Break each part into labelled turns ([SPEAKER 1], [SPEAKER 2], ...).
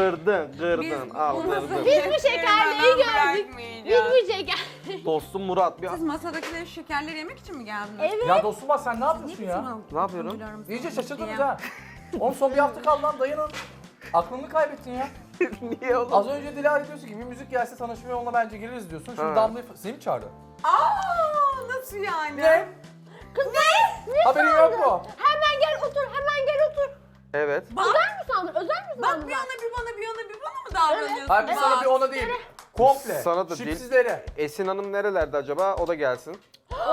[SPEAKER 1] Kırdın. Al kırdın.
[SPEAKER 2] Biz bu şekerliği gördük. Biz bu şeker.
[SPEAKER 1] Dostum Murat.
[SPEAKER 3] Siz masadakileri şekerleri yemek için mi geldiniz?
[SPEAKER 2] Evet.
[SPEAKER 4] Ya dostum bak sen ne yapıyorsun ya?
[SPEAKER 1] Ne yapıyorum?
[SPEAKER 4] İyice şaşırdınız ha. Oğlum son bir hafta kaldı lan dayanın. Aklını kaybettin ya.
[SPEAKER 1] Niye oğlum?
[SPEAKER 4] Az önce Dilara diyorsun ki bir müzik gelse tanışmaya onunla bence gireriz diyorsun. Şimdi
[SPEAKER 1] Ha.
[SPEAKER 4] Damla'yı seni mi çağırdı?
[SPEAKER 3] Nasıl yani?
[SPEAKER 4] Ne?
[SPEAKER 2] Kız ne?
[SPEAKER 4] Haberin yok mu?
[SPEAKER 2] Hemen gel otur, hemen gel otur.
[SPEAKER 1] Evet.
[SPEAKER 2] Özel mi sandın? Özel mi sandın?
[SPEAKER 3] Bak bir ona bir bana bir ona bir bana mı davranıyorsun?
[SPEAKER 4] Hayır bir sana bir ona değil. Komple.
[SPEAKER 1] Sana da değil.
[SPEAKER 4] Şipsizlere.
[SPEAKER 1] Esin Hanım nerelerde acaba? O da gelsin.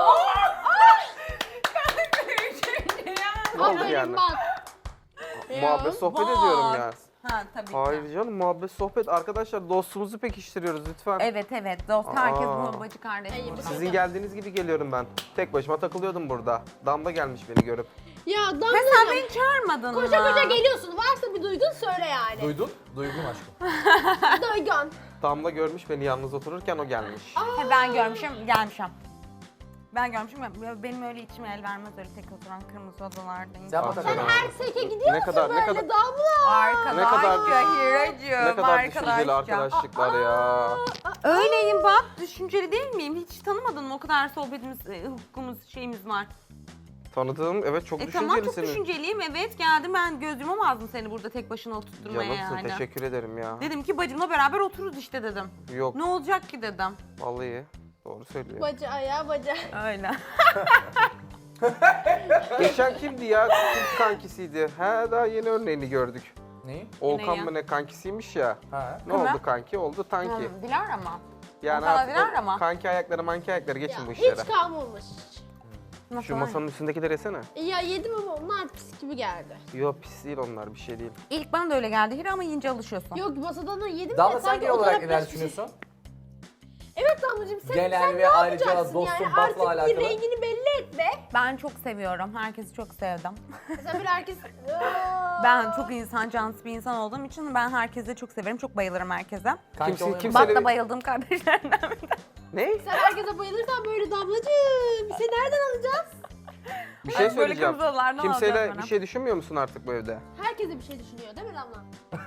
[SPEAKER 1] Ne oldu
[SPEAKER 2] Aferin
[SPEAKER 1] yani?
[SPEAKER 2] bak.
[SPEAKER 1] Muhabbet sohbet
[SPEAKER 3] bak.
[SPEAKER 1] ediyorum ya.
[SPEAKER 3] Ha tabii ki.
[SPEAKER 1] Hayır canım muhabbet sohbet. Arkadaşlar dostumuzu pekiştiriyoruz lütfen.
[SPEAKER 3] Evet dost herkes
[SPEAKER 1] Aa.
[SPEAKER 3] bu bacı kardeş burada.
[SPEAKER 1] Sizin geldiğiniz gibi geliyorum ben. Tek başıma takılıyordum burada. Damla gelmiş beni görüp.
[SPEAKER 2] Ya
[SPEAKER 3] Ve sen
[SPEAKER 2] Damlacığım,
[SPEAKER 3] beni çağırmadın mı?
[SPEAKER 2] koşa koşa geliyorsun. Varsa bir duygun söyle yani.
[SPEAKER 4] Duydun? Duydum aşkım.
[SPEAKER 2] Duygun.
[SPEAKER 1] Damla görmüş beni yalnız otururken o gelmiş.
[SPEAKER 3] He, ben görmüşüm gelmişim. Ben görmüşüm benim öyle içime el vermez öyle tek oturan kırmızı odalarda.
[SPEAKER 4] Sen
[SPEAKER 1] Ah,
[SPEAKER 4] bak
[SPEAKER 2] Sen
[SPEAKER 1] Tamam.
[SPEAKER 2] her seke gidiyor
[SPEAKER 1] Ne
[SPEAKER 2] musun
[SPEAKER 1] kadar- ne
[SPEAKER 2] böyle
[SPEAKER 1] kadar-
[SPEAKER 2] Damla?
[SPEAKER 3] Arkadaşça Hiracığım.
[SPEAKER 1] Ne kadar düşünceli arkadaşlıklar ya.
[SPEAKER 3] Öyleyim bak düşünceli değil miyim? Hiç tanımadın mı? O kadar sohbetimiz, hukukumuz, şeyimiz var.
[SPEAKER 1] Tanıdığım evet çok
[SPEAKER 3] Tamam çok
[SPEAKER 1] düşüncelisiniz.
[SPEAKER 3] düşünceliyim evet geldim ben göz yumamazdım seni burada tek başına oturtturmaya
[SPEAKER 1] Canımsın
[SPEAKER 3] yani.
[SPEAKER 1] teşekkür ederim ya.
[SPEAKER 3] Dedim ki bacımla beraber otururuz işte dedim.
[SPEAKER 1] Yok
[SPEAKER 3] Ne olacak ki dedim.
[SPEAKER 1] vallahi doğru söylüyor.
[SPEAKER 2] Bacı ayağı bacı.
[SPEAKER 3] Öyle.
[SPEAKER 1] Geçen kimdi ya? Kim kankisiydi? He daha yeni örneğini gördük.
[SPEAKER 4] Neyi?
[SPEAKER 1] Volkan
[SPEAKER 3] ya?
[SPEAKER 1] mı ne kankisiymiş ya.
[SPEAKER 4] Ha.
[SPEAKER 1] Ne
[SPEAKER 3] Kim
[SPEAKER 1] oldu
[SPEAKER 3] ya?
[SPEAKER 1] kanki? Oldu tanki.
[SPEAKER 3] Dilara mı?
[SPEAKER 1] Yani
[SPEAKER 3] Volkan
[SPEAKER 1] artık
[SPEAKER 3] Dilara
[SPEAKER 1] o
[SPEAKER 3] mı?
[SPEAKER 1] kanki ayakları manki ayakları geçin
[SPEAKER 2] Ya,
[SPEAKER 1] bu işlere.
[SPEAKER 2] hiç kalmamış.
[SPEAKER 3] Nasıl
[SPEAKER 1] Şu
[SPEAKER 3] var?
[SPEAKER 1] masanın üstündekileri yesene.
[SPEAKER 2] Ya yedim ama onlar pis gibi geldi.
[SPEAKER 1] Yok pis değil onlar bir şey değil.
[SPEAKER 3] İlk bana da öyle geldi Hira ama yiyince alışıyorsun.
[SPEAKER 2] Yok masadan da yedim
[SPEAKER 4] Damla
[SPEAKER 2] de
[SPEAKER 4] sen
[SPEAKER 2] sanki
[SPEAKER 4] genel
[SPEAKER 2] o
[SPEAKER 4] olarak
[SPEAKER 2] taraf
[SPEAKER 4] neler
[SPEAKER 2] biraz pis.
[SPEAKER 4] düşünüyorsun?
[SPEAKER 2] Evet Damlacığım sen,
[SPEAKER 4] Genel
[SPEAKER 2] sen
[SPEAKER 4] ve
[SPEAKER 2] ne
[SPEAKER 4] ayrıca
[SPEAKER 2] yapacaksın
[SPEAKER 4] dostum
[SPEAKER 2] yani?
[SPEAKER 4] bakla
[SPEAKER 2] Artık
[SPEAKER 4] alakalı.
[SPEAKER 2] bir rengini belli etme.
[SPEAKER 3] Ben çok seviyorum. Herkesi çok sevdim.
[SPEAKER 2] Mesela böyle herkes...
[SPEAKER 3] Ben çok insan canlısı bir insan olduğum için ben herkese çok severim. Çok bayılırım herkese.
[SPEAKER 4] Kanki oluyor mu?
[SPEAKER 1] kimse-
[SPEAKER 3] Bak da bayıldığım kardeşlerimden bir tanesi.
[SPEAKER 1] Ne?
[SPEAKER 2] Sen herkese bayılırsan böyle Damlacığım. Seni nereden alacağız?
[SPEAKER 1] Bir şey
[SPEAKER 3] Böyle
[SPEAKER 1] söyleyeceğim.
[SPEAKER 3] kırmızı odalar ne olacak
[SPEAKER 1] Kimseyle
[SPEAKER 3] bana?
[SPEAKER 1] bir şey düşünmüyor musun artık bu evde?
[SPEAKER 2] Herkese bir şey düşünüyor değil mi Damla?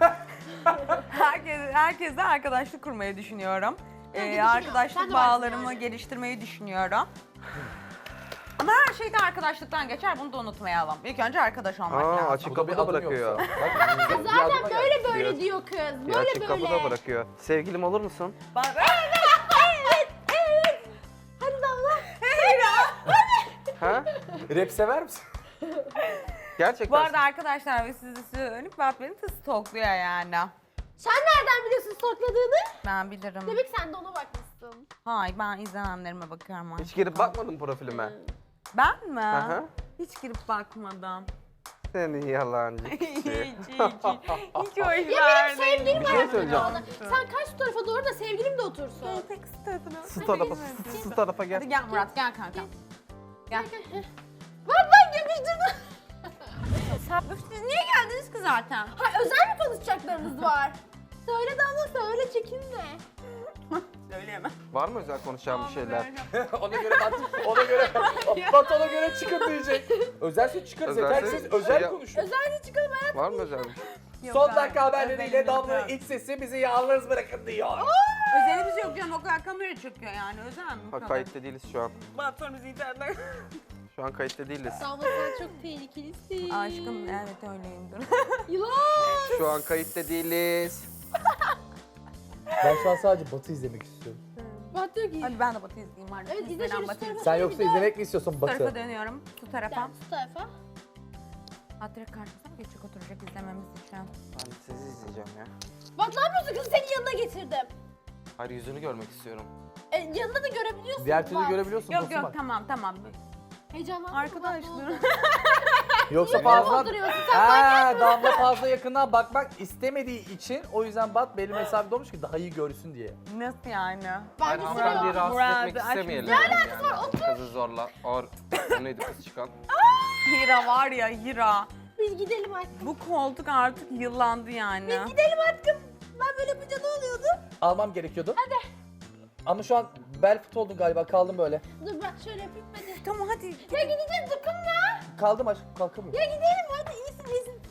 [SPEAKER 3] Herkesle arkadaşlık kurmayı düşünüyorum.
[SPEAKER 2] Ben de düşünüyorum. Sen
[SPEAKER 3] Arkadaşlık
[SPEAKER 2] de varsın
[SPEAKER 3] bağlarımı
[SPEAKER 2] yani.
[SPEAKER 3] geliştirmeyi düşünüyorum. Ama her şey de arkadaşlıktan geçer. Bunu da unutmayalım. İlk önce arkadaş olmak
[SPEAKER 1] Aa
[SPEAKER 3] lazım.
[SPEAKER 1] açık
[SPEAKER 4] Bu da bir
[SPEAKER 1] kapıda
[SPEAKER 4] adım
[SPEAKER 1] bırakıyor.
[SPEAKER 4] yoksa. Bak, bir
[SPEAKER 2] Zaten
[SPEAKER 4] adıma geldi.
[SPEAKER 2] böyle diyor kız.
[SPEAKER 1] Bir
[SPEAKER 2] Böyle
[SPEAKER 1] açık
[SPEAKER 2] böyle.
[SPEAKER 1] kapıda bırakıyor. Sevgilim olur musun?
[SPEAKER 2] Hadi Damla.
[SPEAKER 1] Ha?
[SPEAKER 4] Rap sever misin?
[SPEAKER 1] Gerçekten.
[SPEAKER 3] Bu arada arkadaşlar ve sizi söyleyip Bat beni de stalkluyor yani.
[SPEAKER 2] Sen nereden biliyorsun stokladığını?
[SPEAKER 3] Ben bilirim.
[SPEAKER 2] Demek sen de ona bakmışsın.
[SPEAKER 3] Hayır ben izlenenlerime bakıyorum.
[SPEAKER 1] Hiç girip bakmadın profilime.
[SPEAKER 3] Ben mi?
[SPEAKER 1] Aha.
[SPEAKER 3] Hiç girip bakmadım.
[SPEAKER 1] Seni yalancı.
[SPEAKER 3] hiç hoş
[SPEAKER 2] Ya benim sevgilim
[SPEAKER 1] Bir şey
[SPEAKER 2] var
[SPEAKER 1] söyleyeceğim.
[SPEAKER 2] orada. Sen kaç tarafa doğru da sevgilim de otursun.
[SPEAKER 1] Su tarafa, su tarafa gel.
[SPEAKER 3] Hadi gel Murat gel kanka. Gel.
[SPEAKER 2] Bak yapıştırdın.
[SPEAKER 3] Siz niye geldiniz ki zaten?
[SPEAKER 2] Ha özel mi konuşacaklarınız var? Söyle Damla söyle çekinme.
[SPEAKER 3] Söyleyemem.
[SPEAKER 1] Var mı özel konuşacağım bir şeyler?
[SPEAKER 4] Ona göre Bat ona göre çıkın diyecek. Özelse çıkarız
[SPEAKER 1] Özelse-
[SPEAKER 4] yeter siz özel
[SPEAKER 1] Ya-
[SPEAKER 4] konuşun.
[SPEAKER 2] Özel çıkalım hayatım.
[SPEAKER 1] Var mı özel bir şey?
[SPEAKER 4] Son dakika haberleriyle Damla'nın iç sesi bizi yalnız bırakın diyor.
[SPEAKER 3] Özelimiz yok canım o kadar kamera çekiyor yani özel mi? bu
[SPEAKER 1] Ha
[SPEAKER 3] kadar?
[SPEAKER 1] kayıtta değiliz şu an.
[SPEAKER 3] Bat sonra bizi internetten.
[SPEAKER 1] Şu an kayıtta değiliz.
[SPEAKER 2] Damla sen çok tehlikelisin.
[SPEAKER 3] Aşkım evet öyleyimdir.
[SPEAKER 2] Yılan.
[SPEAKER 1] Şu an kayıtta değiliz.
[SPEAKER 4] Ben şu an sadece Batı izlemek istiyorum.
[SPEAKER 2] Bak diyor ki.
[SPEAKER 3] Hadi ben de Batı izleyeyim hadi.
[SPEAKER 2] Evet, izle
[SPEAKER 3] Ben
[SPEAKER 2] şöyle
[SPEAKER 3] Batı
[SPEAKER 2] şu
[SPEAKER 3] izleyeyim.
[SPEAKER 4] Sen yoksa izlemek mi istiyorsun
[SPEAKER 3] Bu tarafa
[SPEAKER 4] Batı?
[SPEAKER 3] dönüyorum. Şu tarafa.
[SPEAKER 2] Sen şu tarafa.
[SPEAKER 3] Hatırı karşısına geçecek oturacak izlememiz için.
[SPEAKER 1] Ben sizi izleyeceğim ya.
[SPEAKER 2] Bak ne yapıyorsun kızı senin yanına getirdim.
[SPEAKER 1] Hayır yüzünü görmek istiyorum.
[SPEAKER 2] Yanında da görebiliyorsun.
[SPEAKER 4] Diğer türlü
[SPEAKER 2] bak.
[SPEAKER 4] görebiliyorsun
[SPEAKER 3] Yok
[SPEAKER 4] dostum
[SPEAKER 3] yok
[SPEAKER 4] bak.
[SPEAKER 3] tamam.
[SPEAKER 2] Heyecanlandım.
[SPEAKER 3] Arkadaşlar.
[SPEAKER 4] Yoksa
[SPEAKER 2] Niye
[SPEAKER 4] fazla...
[SPEAKER 2] dolduruyorsun sen?
[SPEAKER 4] Damla fazla yakından bakmak istemediği için o yüzden Bat belli mesafede olmuş ki daha iyi görsün diye.
[SPEAKER 3] Nasıl yani?
[SPEAKER 2] Ben de
[SPEAKER 1] Hanımefendiyi
[SPEAKER 2] sıra.
[SPEAKER 1] rahatsız etmek
[SPEAKER 3] aç
[SPEAKER 1] istemeyelim.
[SPEAKER 3] bizi.
[SPEAKER 1] Ne alakası var? Otur. Kızı zorla. Neydi kız çıkan?
[SPEAKER 3] Hira var ya Hira.
[SPEAKER 2] Biz gidelim artık.
[SPEAKER 3] Bu koltuk artık yıllandı yani.
[SPEAKER 2] Gidelim artık. Ben böyle yapınca ne oluyordu?
[SPEAKER 4] Almam gerekiyordu. Hadi. Ama şu an bel fıt oldum galiba kaldım böyle.
[SPEAKER 2] Dur bak şöyle yapayım hadi.
[SPEAKER 3] Tamam hadi.
[SPEAKER 2] Ya gideceğiz dokunma.
[SPEAKER 4] Kaldım aşkım kalkamıyorum.
[SPEAKER 2] Ya gidelim hadi iyisin.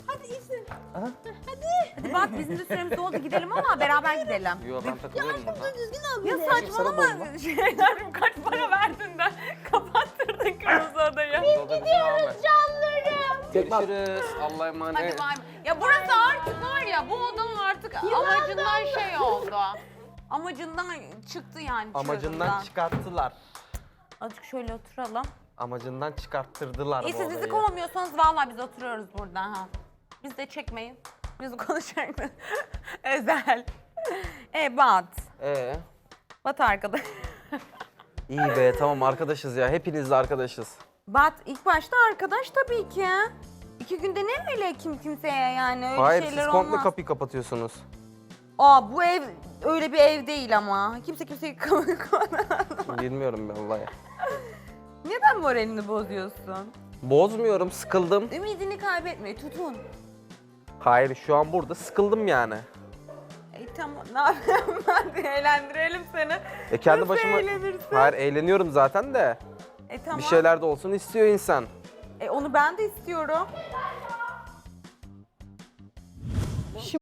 [SPEAKER 2] Hadi iyisin.
[SPEAKER 3] Hadi bak bizim de süremiz oldu gidelim ama beraber gidelim.
[SPEAKER 1] Yo ben takılıyorum burada.
[SPEAKER 2] Düzgün al
[SPEAKER 3] Ya
[SPEAKER 2] beni.
[SPEAKER 3] saçmalama şeylerim kaç para verdin de kapattırdın kırmızı odayı.
[SPEAKER 1] Gidiyoruz
[SPEAKER 2] Canlarım.
[SPEAKER 1] Görüşürüz. Allah'a
[SPEAKER 3] Hadi
[SPEAKER 1] emanet.
[SPEAKER 3] bay. Ya burası artık var ya bu odanın artık amacından şey oldu. Amacından çıktı yani.
[SPEAKER 1] Amacından
[SPEAKER 3] çığırından.
[SPEAKER 1] çıkarttılar.
[SPEAKER 3] Azıcık şöyle oturalım.
[SPEAKER 1] Amacından çıkarttırdılar
[SPEAKER 3] İyi
[SPEAKER 1] bu
[SPEAKER 3] siz bizi
[SPEAKER 1] olayı.
[SPEAKER 3] kovmuyorsanız vallahi biz oturuyoruz burada ha. Biz de çekmeyin. Biz konuşalım. Özel. Bat. Bat arkadaş.
[SPEAKER 1] İyi be tamam arkadaşız ya. Hepinizle arkadaşız.
[SPEAKER 3] Bat ilk başta arkadaş tabii ki. 2 günde ne öyle kimseye yani öyle
[SPEAKER 1] Hayır
[SPEAKER 3] şeyler
[SPEAKER 1] siz komple
[SPEAKER 3] olmaz.
[SPEAKER 1] kapıyı kapatıyorsunuz.
[SPEAKER 3] Aa bu ev öyle bir ev değil ama. Kimse kimseyi
[SPEAKER 1] Bilmiyorum ben vallahi.
[SPEAKER 3] Neden moralini bozuyorsun?
[SPEAKER 1] Bozmuyorum, sıkıldım.
[SPEAKER 3] Ümidini kaybetme, tutun.
[SPEAKER 1] Hayır şu an burada sıkıldım yani.
[SPEAKER 3] Tamam ne yapayım ben de eğlendirelim seni.
[SPEAKER 1] Kendi
[SPEAKER 3] Nasıl
[SPEAKER 1] başıma...
[SPEAKER 3] eğlenirsin?
[SPEAKER 1] Hayır eğleniyorum zaten de.
[SPEAKER 3] Tamam.
[SPEAKER 1] Bir şeyler de olsun istiyor insan.
[SPEAKER 3] Onu ben de istiyorum.